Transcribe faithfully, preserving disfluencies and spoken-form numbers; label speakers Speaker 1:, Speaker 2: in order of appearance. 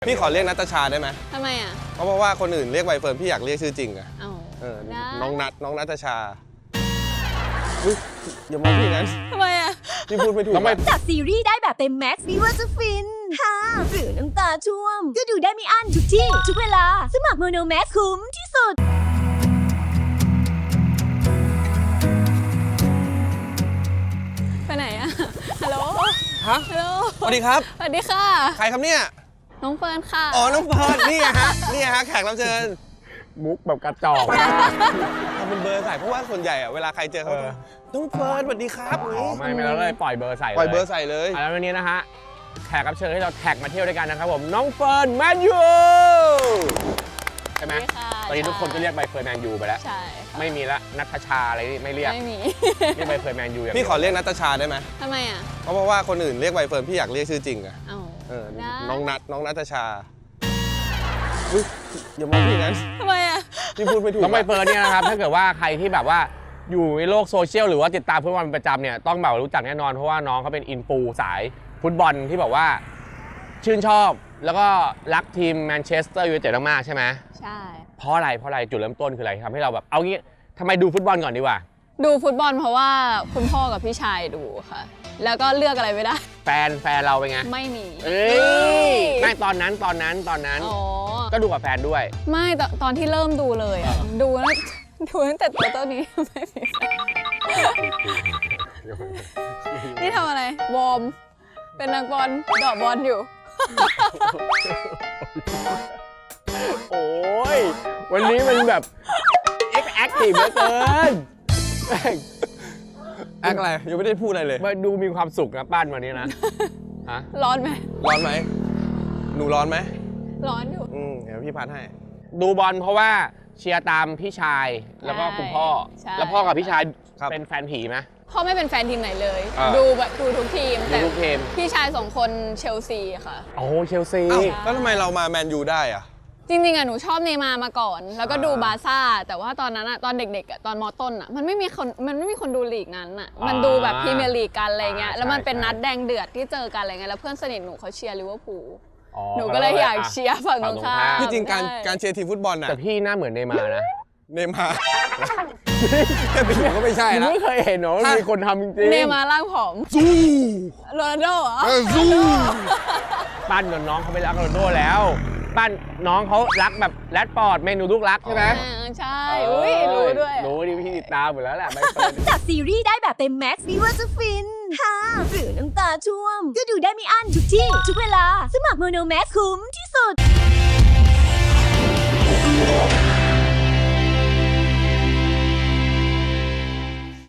Speaker 1: พี่ขอเรียกนัตชาได้ไหม
Speaker 2: ทำไมอ่ะ
Speaker 1: เพราะว่าคนอื่นเรียกใบเฟิร์นพี่อยากเรียกชื่อจริงอะ
Speaker 2: เอา
Speaker 1: เออ
Speaker 2: ได้
Speaker 1: น้องนัทน้องนัตชาอุ๊ยอย่ามองพี่งั้น
Speaker 2: ทำไมอ่ะ
Speaker 1: พี่พูดไม่ถูก
Speaker 3: ทำไม
Speaker 4: จากซีรีส์ได้แบบเต็มแม็กซ์ไม่ว่าจะฟินฮ่าหรือน้ำตาช่วม ก็ดูได้ไม่อั้นทุกที่ ทุกเวลา สมัครโมโนแม็กซ์คุ้มที่สุด
Speaker 2: ไปไหนอ่ะ ฮัลโหล
Speaker 1: ฮะ
Speaker 2: ฮัลโหล
Speaker 1: สวัสดีครับ
Speaker 2: สวัสดีค่ะ
Speaker 1: ใครครับเนี่ย
Speaker 2: น้องเฟิร์นค่ะ
Speaker 1: อ๋อ น้องเฟิร์นนี่ไงฮะ นี่ไงฮะ แขกรับเชิญ
Speaker 3: มุกแบบกระจอก
Speaker 1: ทำเป็นเบอร์ใส่เพราะว่าส่วนใหญ่อะเวลาใครเจอเขาจะน้องเฟิร์นสวัสดีครับ
Speaker 3: อ๋อไม่ไม่เราเลยปล่อยเบอร์ใส่เลย
Speaker 1: ปล่อยเบอร์ใส่เลย
Speaker 3: อ่ะแล้ววันนี้นะฮะแขกรับเชิญที่เราแท็กมาเที่ยวด้วยกันนะครับผมน้องเฟิร์นแมนยูใช่ไหม
Speaker 2: สวัสดีค่ะ
Speaker 3: ตอนนี้ทุกคนก็เรียกใบเฟิร์นแมนยูไปแล้ว
Speaker 2: ใช่ค่ะ
Speaker 3: ไม่มีละนัทชาอะไรนี่ไม่เรียก
Speaker 2: ไม่มี
Speaker 3: เรียกใบเฟิร์นแมนยูอย่าง
Speaker 1: พี่ขอเรียกนัตชาได้ไหม
Speaker 2: ทำไมอ่ะ
Speaker 1: เพราะว่าคนอื่นเรียกใบเฟิร์นพี่อยากเรียกชื่อจริงอะ
Speaker 2: เอา
Speaker 1: เออ
Speaker 2: ได้
Speaker 1: น้องนัทน้องนัตชาอุ๊ยอย่ามองพี่งั้น
Speaker 2: ทำไมอ่ะ
Speaker 1: พี่พูดไม่ถูก
Speaker 3: น้องใบเฟิร์นเนี่ยนะครับ ถ้าเกิดว่าใครที่แบบว่าอยู่ในโลกโซเชียลหรือว่าติดตามฟุตบอลเป็นประจำเนี่ยต้องแบบรู้จักแน่นอนเพราะว่าน้องเขาเป็นอินฟูสายฟุตบอลที่แบบว่าชื่นชอบแล้วก็รักทีมแมนเชสเตอร์ยูไนเต็ดมากๆใช่ไหม
Speaker 2: ใช่
Speaker 3: เพราะอะไรเพราะอะไรจุดเริ่มต้นคืออะไรทำให้เราแบบเอางี้ทำไมดูฟุตบอลก่อนดีกว่า
Speaker 2: ดูฟุตบอลเพราะว่าคุณพ่อกับพี่ชายดูค่ะ แล้วก็เลือกอะไรไม่ได้
Speaker 3: แฟนแฟนเราเป็นไง
Speaker 2: ไม่มี
Speaker 3: เอ้ยไม่ตอนนั้นตอนนั้นตอนนั้น
Speaker 2: อ๋อ
Speaker 3: ก็ดูกับแฟนด้วย
Speaker 2: ไม่ตอนตอนที่เริ่มดูเลยอ่ะ ดูแล้ว ดูตั้งแต่ตัวเท่านี้ ไม่มีแฟนนี่ทำอะไร วอร์ม เป็นนักบอลเดอกบอลอยู่
Speaker 3: โอ้ยวันนี้มันแบบเอ็กแอคทีฟเหลือเกิน
Speaker 1: แอคอะไรยังไม่ได้พูดอะไรเลย
Speaker 3: มาดูมีความสุขนะปั้นวันนี้นะฮะ
Speaker 2: ร้อนไหม
Speaker 1: ร้อนไหมหนูร้อนไหม
Speaker 2: ร้อนอยู่
Speaker 1: อืมเดี๋ยวพี่พัดให้
Speaker 3: ดูบอลเพราะว่าเชียร์ตามพี่ชายแล้วก็คุณพ่อ
Speaker 2: ใช่
Speaker 3: แล้วพ่อกับพี่ชาย
Speaker 1: ครับ
Speaker 3: เป็นแฟนผีไหม
Speaker 2: พ่อไม่เป็นแฟนทีมไหนเลย
Speaker 3: อ่า
Speaker 2: ดูแบบดูทุกทีม
Speaker 3: ดู
Speaker 2: แต่
Speaker 3: ทุกทีม
Speaker 2: พี่ชายสองคนเชลซีค่ะ
Speaker 3: โอ้เชลซี
Speaker 1: อ้าวแล้วทำไมเรามาแมนยูได้อะ
Speaker 2: จริงๆอะหนูชอบเนย์มาร์มาก่อน แล้วก็ดูบาร์ซ่า แต่ว่าตอนนั้นอะตอนเด็กๆอะตอนมอต้นอะมันไม่มีคนมันไม่มีคนดูลีกนั้นอะมันดูแบบพรีเมียร์ลีกกันอะไรเงี้ย แล้วมันเป็นนัดแดงเดือดที่เจอกันอะไรเงี้ย แล้วเพื่อนสนิทหนูเขาเชียร์ลิเวอร์พูล
Speaker 3: อ๋อ
Speaker 2: หนูก็เลยอยากเชียร์ฝั่งตรงข้าม
Speaker 1: ที่จริงการ
Speaker 2: ใช่
Speaker 1: การเชียร์ทีมฟุตบอลน่ะ
Speaker 3: แต่พี่หน้าเหมือนเนย์มาร์นะ
Speaker 1: เนย์มาร์แค่ไปอยู่ก็ไม่ใช่
Speaker 3: ผม
Speaker 1: แล้ว
Speaker 3: ไม่เคยเห็นเนาะมีคนทำจริงๆ
Speaker 2: เนย์มาร์ร่างผอม
Speaker 1: สู้
Speaker 2: โรนัลโดเหรอ
Speaker 1: เออสู้
Speaker 3: ปั้นกับน้องเขาไปรักโรนัลโดแล้วปั้นน้องเขารักแบบแรดฟอร์ดเมนูลูกรักใช่ไหม
Speaker 2: อ่าใช่ อุ้ยรู้ด้วยอะ
Speaker 3: รู้ดิพี่ติดตามหมดแล้วแหละใบเฟิร์น
Speaker 4: จากซีรีส์ได้แบบเต็มแม็กซ์ไม่ว่าจะฟินฮ่าหรือน้ำตาช่วม ก็ดูได้ไม่อั้นทุกที่ ทุกเวลา สมัครโมโนแม็กซ์คุ้มที่สุด